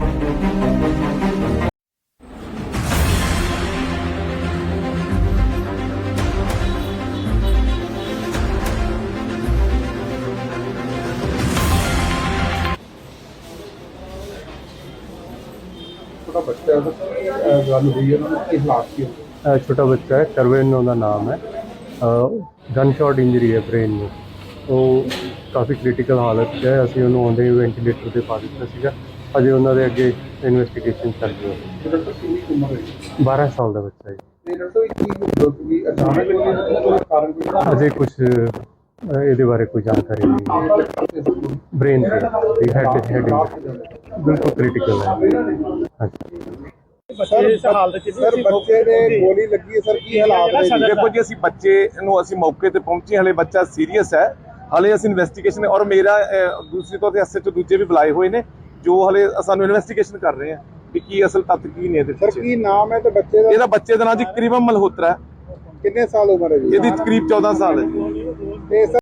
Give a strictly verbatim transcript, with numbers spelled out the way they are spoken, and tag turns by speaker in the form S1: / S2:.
S1: बच्चा गल हुई है कि हालात की
S2: छोटा बच्चा है, करवेन उनका नाम है। गन शॉट इंजरी है ब्रेन में, तो काफ़ी क्रिटिकल हालत है। असी उन्होंने आउंदे ही वेंटीलेटर पर पा दिता सीगा। अजे उन्होंने अगे इन्वेस्टिगेशन चल रही है। बारह साल का बच्चा है। अजे कुछ ये बारे कोई जानकारी नहीं। ब्रेन से हेड हेड बिल्कुल क्रिटिकल है। हाँ
S1: सर बच्चे ने गोली लगी है सर की हालात ने
S3: देखो जी ਅਸੀਂ ਬੱਚੇ ਨੂੰ ਅਸੀਂ ਮੌਕੇ ਤੇ ਪਹੁੰਚੇ ਹਲੇ ਬੱਚਾ ਸੀਰੀਅਸ ਹੈ ਹਲੇ ਅਸੀਂ ਇਨਵੈਸਟੀਗੇਸ਼ਨ ਔਰ ਮੇਰਾ ਦੂਸਰੀ ਤੌਰ ਤੇ ਐਸਐਚਓ ਦੂਜੇ ਵੀ ਬੁਲਾਏ ਹੋਏ ਨੇ ਜੋ ਹਲੇ ਸਾਨੂੰ ਇਨਵੈਸਟੀਗੇਸ਼ਨ ਕਰ ਰਹੇ ਆ ਕਿ ਕੀ ਅਸਲ ਤੱਤ ਕੀ ਨੇ ਇਹਦੇ
S1: ਸਰ ਕੀ ਨਾਮ ਹੈ ਤੇ ਬੱਚੇ ਦਾ
S3: ਇਹਦਾ ਬੱਚੇ ਦਾ ਨਾਮ ਜੀ ਕਰੀਬਮ ਮਲਹੋਤਰਾ ਹੈ।
S1: ਕਿੰਨੇ ਸਾਲ ਉਮਰ ਹੈ ਜੀ
S3: ਇਹਦੀ ਕਰੀਬ ਚੌਦਾਂ ਸਾਲ ਹੈ।
S1: ਤੇ